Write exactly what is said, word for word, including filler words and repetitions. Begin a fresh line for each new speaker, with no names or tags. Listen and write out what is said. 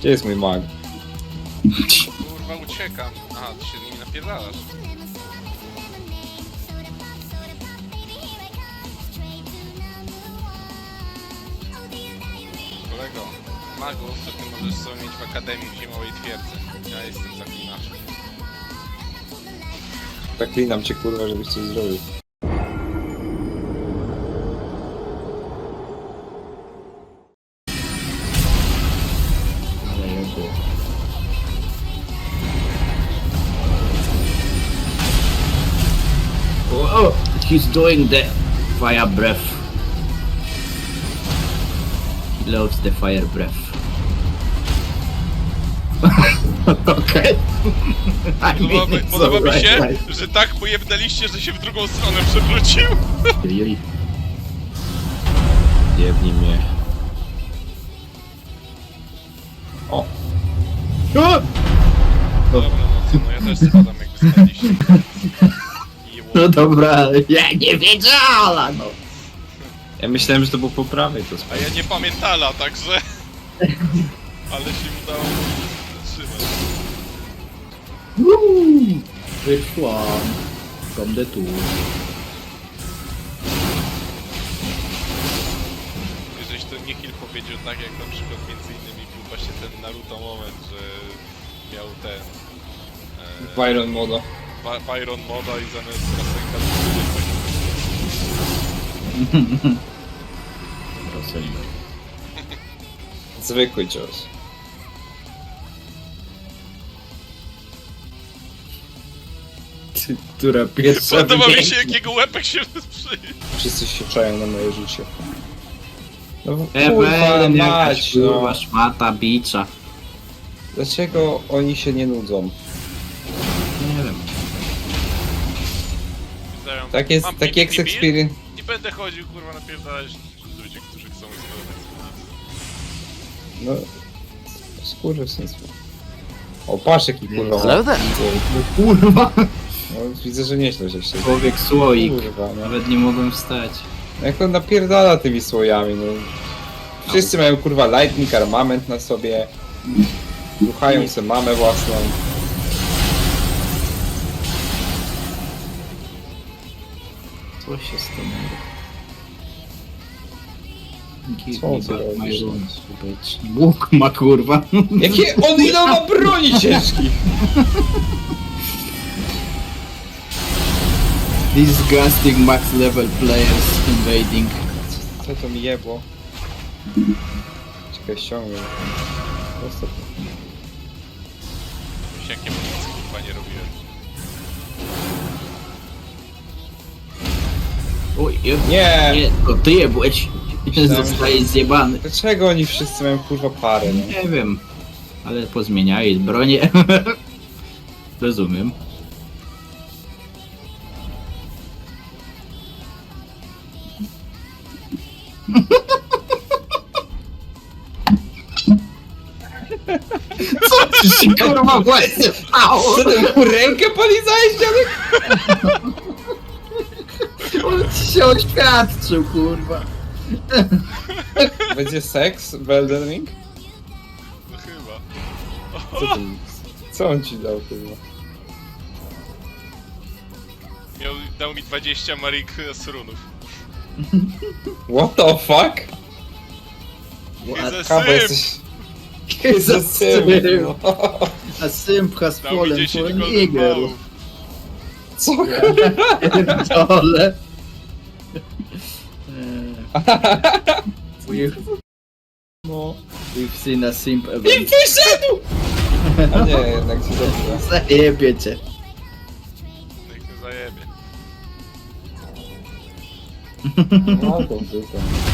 Gdzie jest mój mag?
Kurwa, uciekam. Aha, ty się z nimi napierdalasz. Kolego, magów to ty możesz sobie mieć w Akademii w Zimowej Twierdzy. Ja jestem zaklinaczem.
Zaklinam cię kurwa, żebyś coś zrobił.
Oh, he's doing the fire breath. He loves the fire breath. Okay. I
Podoba,
mean, it's
podoba mi
alright,
się,
right.
że tak pojebnęliście, że się w drugą stronę przewrócił.
Ojej.
Jebnij mnie. O!
Dobra, no co, no ja też spadam jakby spadliście.
No dobra, ja nie wiedziałem, no.
Ja myślałem, że to było po prawej to
A
spać.
ja nie pamiętala, także... Ale się udało zatrzymać.
Woo! Which one? From the two.
Żeś to Nihil powiedział tak, jak na przykład między innymi był właśnie ten Naruto moment, że miał ten... E,
Byron moda.
Ba- Byron moda i zamiast Rasenka to
Zwykły cios.
Ty, która pierwsza
Podoba mi się,
wybiegnie.
jakiego łepek się przy...
Wszyscy się czają na moje życie. No
E,
kurwa
ben, jakaś
mać,
kurwa
no.
szmata bicza.
Dlaczego oni się nie nudzą?
Nie wiem.
Zdają,
Tak jest,
mam
taki
P V
ex
P
experience.
i będę chodził, kurwa, napierdalać ludzie, którzy chcą eksplodować.
No... Skurwysynstwo. O, patrz jaki kurwa.
Hello there.
No,
Kurwa.
no, widzę, że nieźle żeś się...
Człowiek słoik.
Kurwa, no.
Nawet nie mogłem wstać.
Jak on napierdala tymi słojami, no. Wszyscy mają kurwa lightning armament na sobie. Ruchają sobie mamę własną.
Co się stanęło? Give
Co
me
ty
back my
robisz?
runes, bitch. Łuk ma kurwa.
Jakie on ile ma broni ciężkich!
Disgusting max level players invading.
Co to mi jebło? Czekaj, ściągnę. Prosto.
Już jakie nic, kurwa, nie robiłem.
Oj, je,
Nie!
nie, to ty je byłeś.
Myślałem,
Zostajesz zjebany.
Dlaczego oni wszyscy mają kurwa parę, no?
Nie wiem, ale pozmieniali bronię. Rozumiem. Co ci się kurwa właśnie stało?
Co ty mu rękę polizałeś, dziadek?
On ci się oświadczył kurwa.
Będzie seks w Elden Ring?
No chyba.
Co, ty, co on ci dał, kurwa?
Miał, dał mi dwadzieścia Marik z runów.
What the fuck?
He's a
Kawa,
simp!
jesteś...
He's a
simp.
simp. A simp has
Dał mi
fallen for
dziesięć
an
golden
eagle.
ballów.
Co?
Dole. We've,
No.
we've seen a simp
I
event.
wyszedł! A nie, jednak ci dobrze.
Zajebie cię.
Niech mnie zajebie.
No, to tylko.